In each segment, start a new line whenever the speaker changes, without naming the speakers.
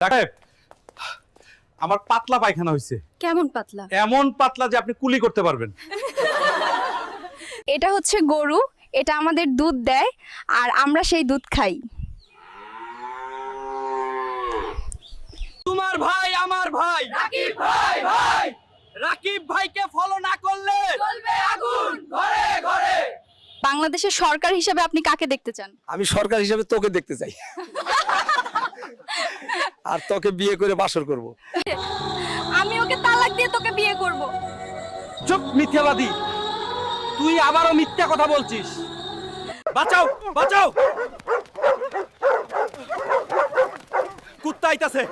Doctor, আমার পাতলা পায়খানা হয়েছে।
কেমন পাতলা?
এমন পাতলা যে আপনি কুলি করতে পারবেন।
এটা হচ্ছে গরু, এটা আমাদের দুধ দেয় আর আমরা সেই দুধ খাই।
তোমার ভাই আমার ভাই রাকিব ভাই রাকিব ভাইকে ফলো না করলে
জ্বলবে আগুন ঘরে ঘরে। বাংলাদেশের সরকার হিসেবে আপনি কাকে দেখতে চান?
আমি সরকার হিসেবে তোকে দেখতে চাই আর তোকে বিয়ে করে বাসর করব।
আমি ওকে তালাক দিয়ে তোকে বিয়ে করব।
চুপ মিথ্যাবাদী, তুই আবারও মিথ্যা কথা বলছিস। বাঁচাও বাঁচাও, কুত্তা আইতাছে।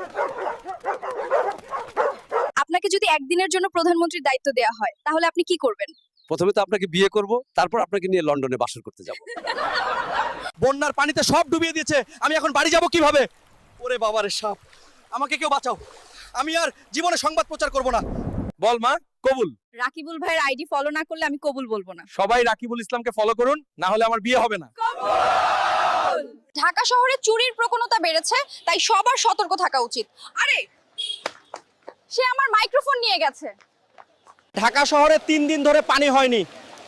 আপনাকে যদি একদিনের জন্য প্রধানমন্ত্রীর দায়িত্ব দেওয়া হয় তাহলে আপনি কি করবেন?
প্রথমে তো আপনাকে বিয়ে করব, তারপর আপনাকে নিয়ে লন্ডনে বাসর করতে যাব।
বন্যার পানিতে সব ডুবিয়ে দিয়েছে, আমি এখন বাড়ি যাব কিভাবে? ওরে বাবারে সাপ, আমাকে কেউ বাঁচাও, আমি আর জীবনে সংবাদ প্রচার করব না। বল মা, কবুল।
রাকিবুল ভাইয়ের আইডি ফলো না করলে আমি কবুল বলবো না।
সবাই রাকিবুল ইসলামকে ফলো করুন, না হলে আমার বিয়ে হবে না।
ঢাকা শহরে চুরির প্রবণতা বেড়েছে, তাই সবার সতর্ক থাকা উচিত। আরে সে আমার মাইক্রোফোন নিয়ে গেছে।
ঢাকা শহরে 3 দিন ধরে পানি হয়নি।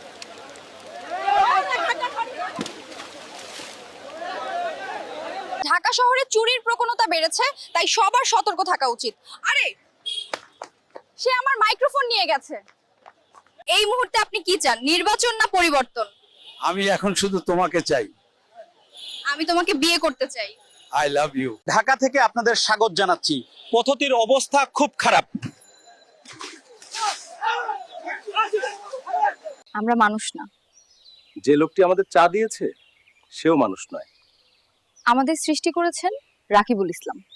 ঢাকা শহরে চুরির প্রবণতা বেড়েছে, তাই সবার সতর্ক থাকা উচিত। আরে সে আমার মাইক্রোফোন নিয়ে গেছে। এই মুহূর্তে আপনি কি চান, নির্বাচন না পরিবর্তন?
আমি এখন শুধু তোমাকে চাই।
আমি তোমাকে বিয়ে করতে চাই।
I love you.
ঢাকা থেকে আপনাদের স্বাগত জানাচ্ছি। পথতির অবস্থা খুব খারাপ।
আমরা মানুষ না।
যে লোকটি আমাদের চা দিয়েছে সেও মানুষ নয়।
আমাদের সৃষ্টি করেছেন রাকিবুল ইসলাম।